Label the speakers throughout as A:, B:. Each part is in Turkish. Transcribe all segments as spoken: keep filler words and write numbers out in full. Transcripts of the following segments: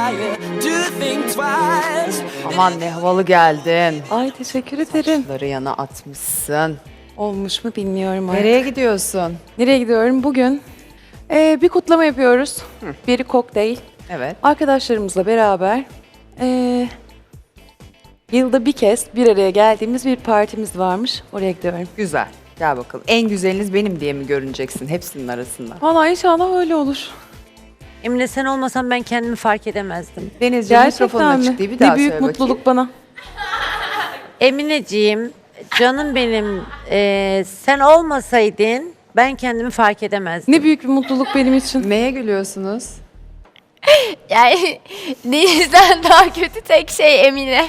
A: fire. Do think twice.
B: Aman ne havalı geldin.
C: Ay teşekkür ederim.
B: Saçları yana atmışsın.
C: Olmuş mu bilmiyorum artık.
B: Nereye gidiyorsun?
C: Nereye gidiyorum? Bugün e, bir kutlama yapıyoruz. Biri kokteyl.
B: Evet.
C: Arkadaşlarımızla beraber e, yılda bir kez bir araya geldiğimiz bir partimiz varmış. Oraya gidiyorum.
B: Güzel. Gel bakalım. En güzeliniz benim diye mi görüneceksin hepsinin arasında?
C: Vallahi inşallah öyle olur.
D: Emine sen olmasan ben kendimi fark edemezdim.
B: Denizciğim
C: Gerçekten
B: mikrofonun
C: mi?
B: açık değil. Bir daha
C: Ne büyük
B: söyle
C: mutluluk
B: bakayım.
C: bana.
D: Emineciğim, canım benim, e, sen olmasaydın ben kendimi fark edemezdim.
C: Ne büyük bir mutluluk benim için.
B: Neye gülüyorsunuz?
E: Yani Deniz'den daha kötü tek şey Emine.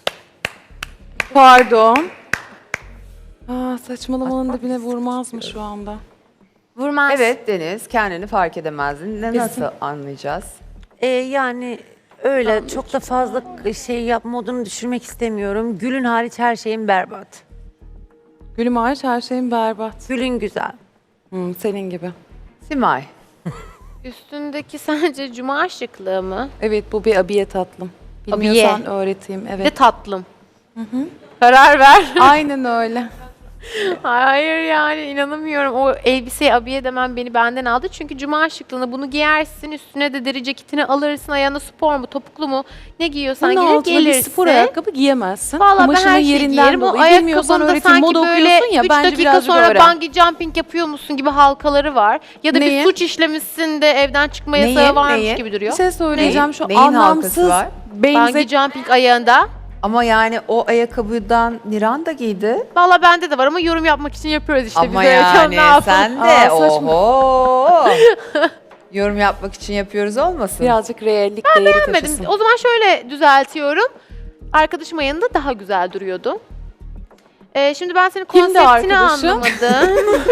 C: Pardon. Aa, saçmalamanın dibine vurmaz mı şu anda?
E: Vurmaz.
B: Evet Deniz, kendini fark edemezdin. Ne nasıl anlayacağız?
D: E, yani öyle çok da fazla şey yap modunu düşürmek istemiyorum. Gülün hariç her şeyim berbat.
C: Gülüm hariç her şeyim berbat.
D: Gülün güzel.
C: Hmm, senin gibi.
B: Simay.
E: Üstündeki sence cuma şıklığı mı?
C: Evet bu bir abiye tatlım.
E: Abiye.
C: Bilmiyorsan öğreteyim.
E: Bir de
C: Evet.
E: tatlım. Karar ver.
C: Aynen öyle.
E: Hayır yani inanamıyorum. O elbiseyi abiye demem beni benden aldı. Çünkü cuma şıklığını bunu giyersin. Üstüne de deri ceketini alırsın. Ayağına spor mu topuklu mu ne giyiyorsan
C: Bunun
E: gelir
C: altına bir
E: gelirse.
C: spor ayakkabı giyemezsin.
E: Valla ben
C: Kumaşının
E: her şeyi
C: yerinden
E: giyerim. O
C: dolayı. Bilmiyorsan
E: ayakkabında
C: öğreteyim.
E: sanki
C: Moda
E: böyle
C: okuyorsun ya
E: üç
C: bence
E: dakika
C: birazcık
E: sonra
C: öğren.
E: bungee jumping yapıyormuşsun gibi halkaları var. Ya da
C: Neyin?
E: bir suç işlemişsin de evden çıkma yasağı
B: Neyin?
E: varmış
B: Neyin?
E: gibi
C: Bir
E: duruyor.
C: şey söyleyeceğim şu
B: Neyin halkası
C: anlamsız
B: var?
E: Bungee
C: benze...
E: jumping ayağında.
B: Ama yani o ayakkabıdan Niran da giydi.
E: Valla bende de var ama yorum yapmak için yapıyoruz işte.
B: Ama
E: biz de.
B: yani
E: Ne yapalım?
B: sen de
C: Aa, saçma.
B: oho. Yorum yapmak için yapıyoruz olmasın?
C: Birazcık reallik değeri
E: Beğenmedim.
C: taşısın.
E: O zaman şöyle düzeltiyorum. Arkadaşım ayağında daha güzel duruyordu. Ee, şimdi ben senin
C: Kimdi
E: konseptini
C: arkadaşın?
E: anlamadım.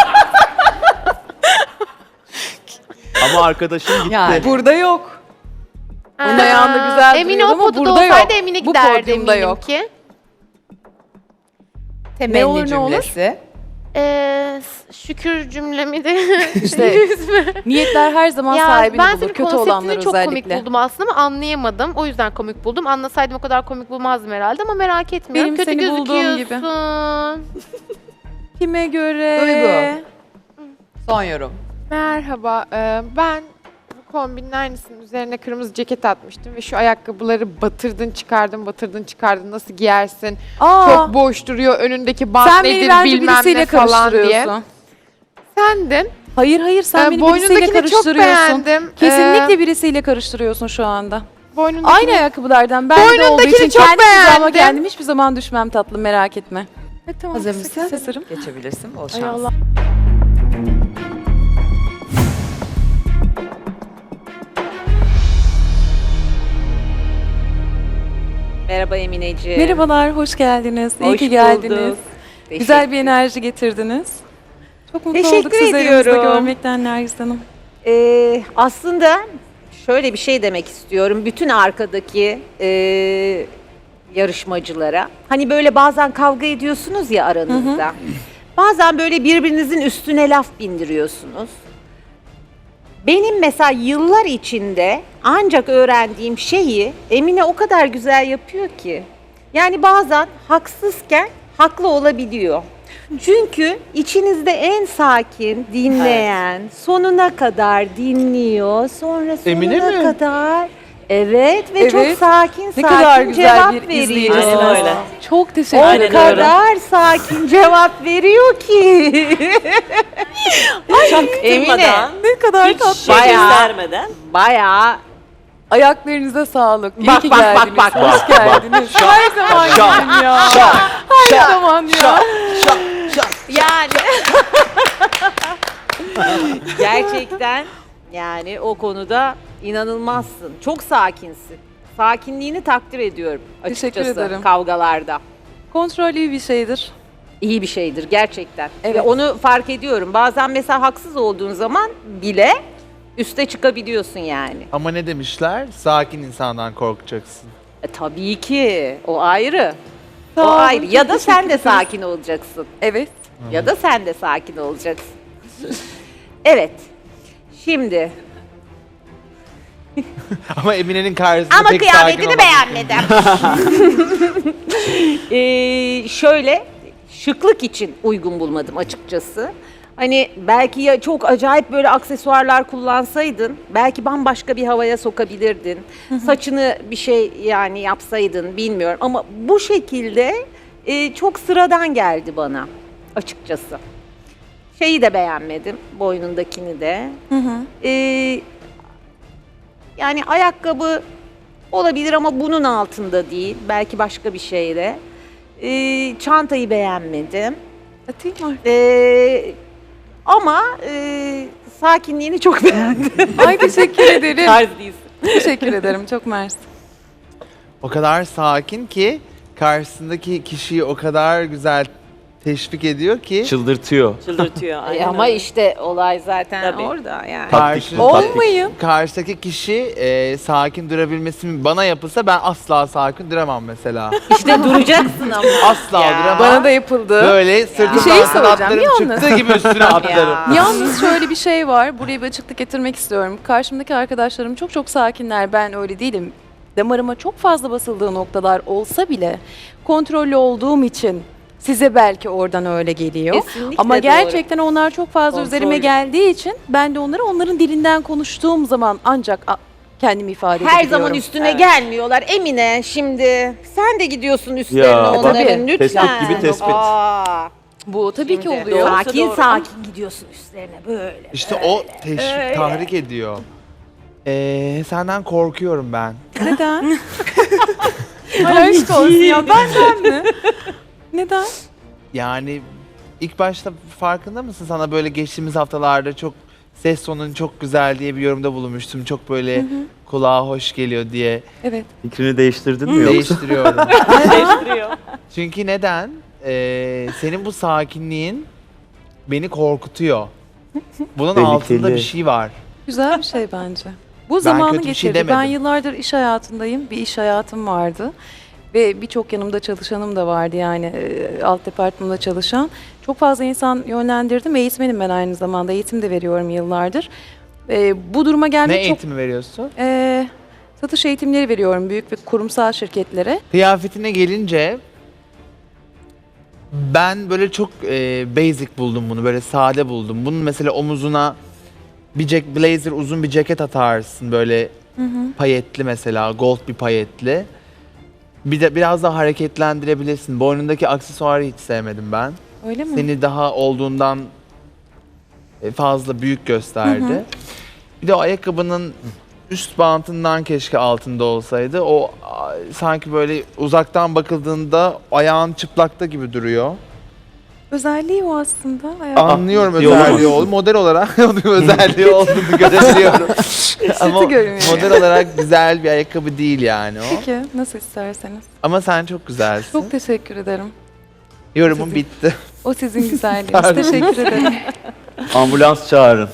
F: Ama arkadaşın gitti.
B: Yani.
C: Burada yok. Onun
E: Aa,
C: ayağında güzel
E: Emine
C: duruyordu
E: o
C: ama
E: poduda
C: burada
E: olsaydı
C: yok.
E: Emine
C: Bu
E: giderdi
C: podyumda
E: eminim
C: yok.
E: ki.
B: Temenni
C: olur, ne olur?
B: cümlesi.
E: Ee, şükür cümlemi de
C: İşte
E: yüz mü?
C: niyetler her zaman
E: Ya
C: sahibini
E: ben
C: bulur.
E: senin
C: Kötü olanlar
E: konseptini çok komik
C: özellikle.
E: buldum aslında ama anlayamadım. O yüzden komik buldum. Anlasaydım o kadar komik bulmazdım herhalde ama merak etmiyorum.
C: Benim
E: Kötü
C: seni bulduğum
E: gözüküyorsun.
C: Kime göre?
B: Duygu. Son yorum.
G: Merhaba, e, ben bu kombinin aynısının üzerine kırmızı ceket atmıştım ve şu ayakkabıları batırdın çıkardın batırdın çıkardın nasıl giyersin?
C: Aa,
G: Çok boş duruyor önündeki bant
C: sen beni
G: nedir
C: bence
G: bilmem
C: birisiyle
G: ne falan diye.
C: karıştırıyorsun.
G: Sendin.
C: Hayır hayır sen
G: Ee,
C: beni birisiyle
G: boynundakini çok
C: karıştırıyorsun.
G: beğendim.
C: Kesinlikle
G: Ee,
C: birisiyle karıştırıyorsun şu anda.
G: Boynundakini
C: Aynı ayakkabılardan ben de olduğu
G: Boynundakini
C: için
G: çok
C: kendi hizama
G: beğendim.
C: kendim hiçbir zaman düşmem tatlım merak etme.
G: E, tamam,
B: Hazır
G: kısa
B: mısın?
C: Hazırım.
B: Geçebilirsin. Bol
G: Ay
B: şans.
G: Allah.
H: Merhaba Emineciğim.
C: Merhabalar, hoş geldiniz. İyi
H: Hoş
C: ki geldiniz.
H: bulduk.
C: Güzel bir enerji getirdiniz. Çok mutlu
H: Teşekkür
C: olduk sizi elimizde
H: ediyorum.
C: görmekten Nergis Hanım.
H: Ee, aslında şöyle bir şey demek istiyorum. Bütün arkadaki e, yarışmacılara. Hani böyle bazen kavga ediyorsunuz ya aranızda. Bazen böyle birbirinizin üstüne laf bindiriyorsunuz. Benim mesela yıllar içinde ancak öğrendiğim şeyi Emine o kadar güzel yapıyor ki. Yani bazen haksızken haklı olabiliyor. Çünkü içinizde en sakin dinleyen, sonuna kadar dinliyor, sonra sonuna
F: Emine mi?
H: kadar evet ve
C: Evet.
H: çok sakin
C: Ne
H: sakin
C: kadar güzel
H: cevap
C: bir
H: veriyor.
C: izleyicisiniz.
D: Aynen öyle.
C: Çok teşekkür
H: O
C: ederim.
H: kadar sakin cevap veriyor ki. Emine
C: Ne kadar tatlı.
H: bayağı
D: göstermeden.
H: bayağı
C: Ayaklarınıza sağlık. İyi
H: Bak,
C: ki
H: bak, bak,
C: geldiniz.
H: bak,
C: Hoş geldiniz. Her zaman gelin ya. Her zaman ya.
H: yani gerçekten yani o konuda inanılmazsın. Çok sakinsin. Sakinliğini takdir ediyorum
C: Teşekkür
H: açıkçası
C: ederim.
H: kavgalarda.
C: Kontrol iyi bir şeydir.
H: İyi bir şeydir gerçekten.
C: Evet.
H: Ve onu fark ediyorum. Bazen mesela haksız olduğun zaman bile üste çıkabiliyorsun yani.
F: Ama ne demişler? Sakin insandan korkacaksın.
H: E, tabii ki. O ayrı.
C: Sağ
H: o
C: olun,
H: ayrı.
C: çok
H: Ya da
C: teşekkür
H: sen de
C: ederiz.
H: sakin olacaksın.
C: Evet.
H: Ya da sen de sakin olacaksın. Evet. Şimdi
F: Ama Emine'nin karşısında
H: Ama
F: pek sakin
H: kıyafetini
F: olmadı.
H: beğenmedim. ee, şöyle şıklık için uygun bulmadım açıkçası. Hani belki ya çok acayip böyle aksesuarlar kullansaydın, belki bambaşka bir havaya sokabilirdin. Saçını bir şey yani yapsaydın bilmiyorum ama bu şekilde e, çok sıradan geldi bana açıkçası. Şeyi de beğenmedim, boynundakini de. Ee, yani ayakkabı olabilir ama bunun altında değil. Belki başka bir şeyde. Ee, çantayı beğenmedim.
C: Atayım mı?
H: Ee, ama e, sakinliğini çok beğendim.
C: Ay teşekkür ederim.
H: Tarz değilsin.
C: Teşekkür ederim. Çok mersi.
F: O kadar sakin ki karşısındaki kişiyi o kadar güzel teşvik ediyor ki
I: Çıldırtıyor.
J: Çıldırtıyor.
H: E,
J: aynen
H: ama
J: öyle.
H: işte olay zaten
J: Tabii.
H: orada yani.
F: karşı,
C: Olmayın.
F: karşıdaki kişi e, sakin durabilmesi bana yapılsa ben asla sakin duramam mesela.
H: İşte duracaksın ama.
F: Asla
H: Ya.
F: duramam.
C: Bana da yapıldı.
F: Böyle sırtımdan
C: Bir şey soracağım,
F: kanatlarım
C: yalnız.
F: çıktığı gibi üstüne atlarım.
H: Ya.
C: Yalnız şöyle bir şey var. Buraya bir açıklık getirmek istiyorum. Karşımdaki arkadaşlarım çok çok sakinler. Ben öyle değilim. Damarıma çok fazla basıldığı noktalar olsa bile kontrollü olduğum için size belki oradan öyle geliyor.
H: Kesinlikle
C: Ama
H: doğru.
C: gerçekten onlar çok fazla üzerime
H: Kontrollü.
C: geldiği için ben de onları onların dilinden konuştuğum zaman ancak a- kendimi ifade
H: Her
C: edebiliyorum.
H: zaman üstüne
J: Evet.
H: gelmiyorlar. Emine şimdi sen de gidiyorsun üstlerine
I: Ya, bak,
H: onların lütfen.
I: tespit gibi tespit.
H: Aa,
C: Bu tabii ki
H: şimdi
C: oluyor.
H: Sakin
J: Doğru.
H: sakin gidiyorsun üstlerine böyle.
F: İşte o teşvik, tahrik ediyor. Ee, senden korkuyorum ben.
C: Neden? Ay aşk olsun ya benden mi? Neden?
F: Yani ilk başta farkında mısın? Sana böyle geçtiğimiz haftalarda çok ses tonun çok güzel diye bir yorumda bulunmuştum. Çok böyle kulağa hoş geliyor diye
C: Evet.
I: Fikrini değiştirdin mi yoksa?
F: değiştiriyorum.
J: Değiştiriyor.
F: Çünkü neden? Ee, senin bu sakinliğin beni korkutuyor. Bunun
I: Tehlikeli.
F: altında bir şey var.
C: Güzel bir şey bence. Bu zamanı
F: kötü bir şey
C: getirdi. ben
F: demedim.
C: yıllardır iş hayatındayım. Bir iş hayatım vardı. Ve birçok yanımda çalışanım da vardı yani e, alt departmanda çalışan. Çok fazla insan yönlendirdim. Eğitmenim ben aynı zamanda. Eğitim de veriyorum yıllardır. E, bu duruma
F: Ne
C: gelmek çok...
F: eğitimi veriyorsun?
C: E, satış eğitimleri veriyorum büyük ve kurumsal şirketlere.
F: Kıyafetine gelince ben böyle çok e, basic buldum bunu. Böyle sade buldum. Bunun mesela omuzuna bir jack, blazer uzun bir ceket atarsın böyle payetli mesela gold bir payetli. Bir de biraz daha hareketlendirebilirsin. Boynundaki aksesuarı hiç sevmedim ben.
C: Öyle mi?
F: Seni daha olduğundan e, fazla büyük gösterdi. Bir de o ayakkabının üst bantından keşke altında olsaydı. O a, sanki böyle uzaktan bakıldığında ayağın çıplakta gibi duruyor.
C: Özelliği o aslında. Hayatım.
F: Anlıyorum
I: iyi olamaz.
F: özelliği olduğunu. Model olarak onun özelliği olduğunu görebiliyorum. Ama
C: görünüyor.
F: model olarak güzel bir ayakkabı değil yani o.
C: Peki nasıl isterseniz.
F: Ama sen çok güzelsin.
C: Çok teşekkür ederim.
F: Yorumum bitti.
C: O sizin güzelliğiniz. Teşekkür ederim.
I: Ambulans çağırın.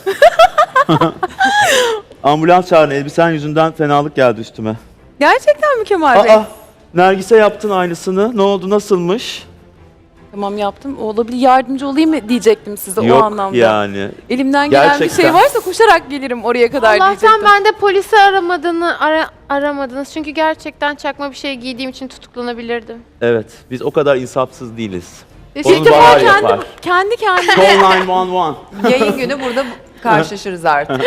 I: Ambulans çağırın. Elbisen yüzünden fenalık geldi üstüme.
C: Gerçekten mi Kemal Bey?
I: Aa, Nergis'e yaptın aynısını. Ne oldu? Nasılmış?
C: Tamam yaptım. Olabilir yardımcı olayım mı diyecektim size o
I: Yok
C: anlamda.
I: yani.
C: Elimden gelen bir
I: Gerçekten.
C: şey varsa koşarak gelirim oraya kadar
E: Allah'tan
C: diyecektim.
E: ben de polisi aramadığını ara, aramadınız. Çünkü gerçekten çakma bir şey giydiğim için tutuklanabilirdim.
I: Evet. Biz o kadar insafsız değiliz.
C: İlk
I: Onu
C: defa
I: Bahar
C: kendi,
I: yapar.
C: kendi kendime
I: Call nine one one.
B: Yayın günü burada karşılaşırız artık.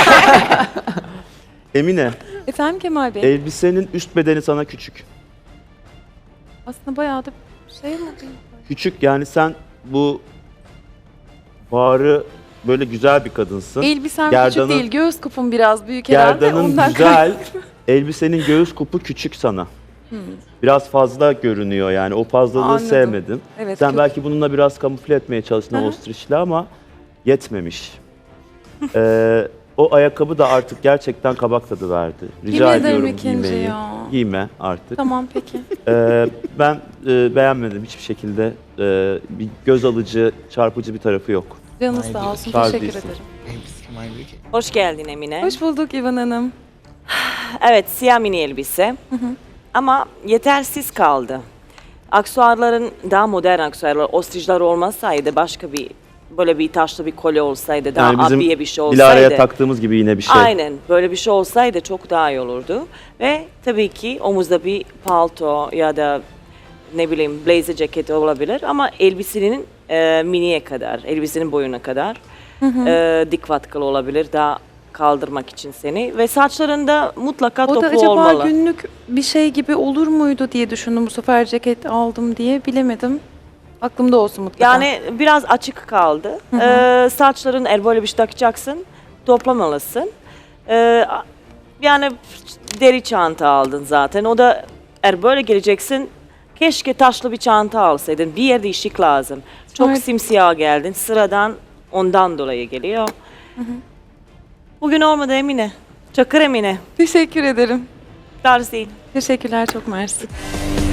I: Emine,
C: Efendim Kemal Bey?
I: elbisenin üst bedeni sana küçük.
C: Aslında bayağı da şey mi?
I: Küçük yani sen bu Bahar'ı böyle güzel bir kadınsın.
C: Elbisem
I: Gerdanın-
C: küçük değil. Göğüs kupum biraz büyük herhalde.
I: Gerdanın
C: Ondan
I: güzel, elbisenin göğüs kupu küçük sana. Biraz fazla görünüyor yani o fazlalığı
C: Anladım.
I: sevmedim.
C: Evet,
I: Sen
C: kök-
I: belki bununla biraz kamufle etmeye çalıştın o ostriçle ama yetmemiş. Ee, o ayakkabı da artık gerçekten kabak tadı verdi. Rica
C: Yemin ederim
I: ediyorum
C: ikinci
I: giymeyi.
C: ya.
I: Giyme artık.
C: Tamam peki.
I: Ee, ben e, beğenmedim hiçbir şekilde. Ee, bir göz alıcı, çarpıcı bir tarafı yok.
C: Canınız sağ olsun.
I: Tarz
C: Teşekkür
I: değilsin.
C: ederim.
J: Hoş geldin Emine.
C: Hoş bulduk İvan Hanım.
J: Evet, siyah mini elbise. Ama yetersiz kaldı. Aksesuarların daha modern aksesuarlar, ostrişler olmasaydı başka bir böyle bir taşlı bir kolye olsaydı, daha
I: Yani bizim
J: abiye bir şey
I: Dilara'ya
J: olsaydı.
I: taktığımız gibi yine bir şey.
J: Aynen. Böyle bir şey olsaydı çok daha iyi olurdu. Ve tabii ki omuzda bir palto ya da ne bileyim blazer ceketi olabilir ama elbisenin e, miniye kadar, elbisenin boyuna kadar e, dik vatkalı olabilir daha kaldırmak için seni. Ve saçlarında mutlaka
C: O da
J: toplu
C: acaba
J: olmalı.
C: günlük bir şey gibi olur muydu diye düşündüm bu sefer ceket aldım diye bilemedim. Aklımda olsun mutlaka.
J: Yani biraz açık kaldı. Ee, saçların eğer böyle bir şey takacaksın, toplamalısın. Ee, yani deri çanta aldın zaten. O da eğer böyle geleceksin, keşke taşlı bir çanta alsaydın. Bir yerde ışık lazım. Çok
C: Evet.
J: simsiyah geldin. Sıradan ondan dolayı geliyor. Bugün olmadı Emine. Çakır Emine.
C: Teşekkür ederim.
J: Tarz değil.
C: Teşekkürler, çok mersi.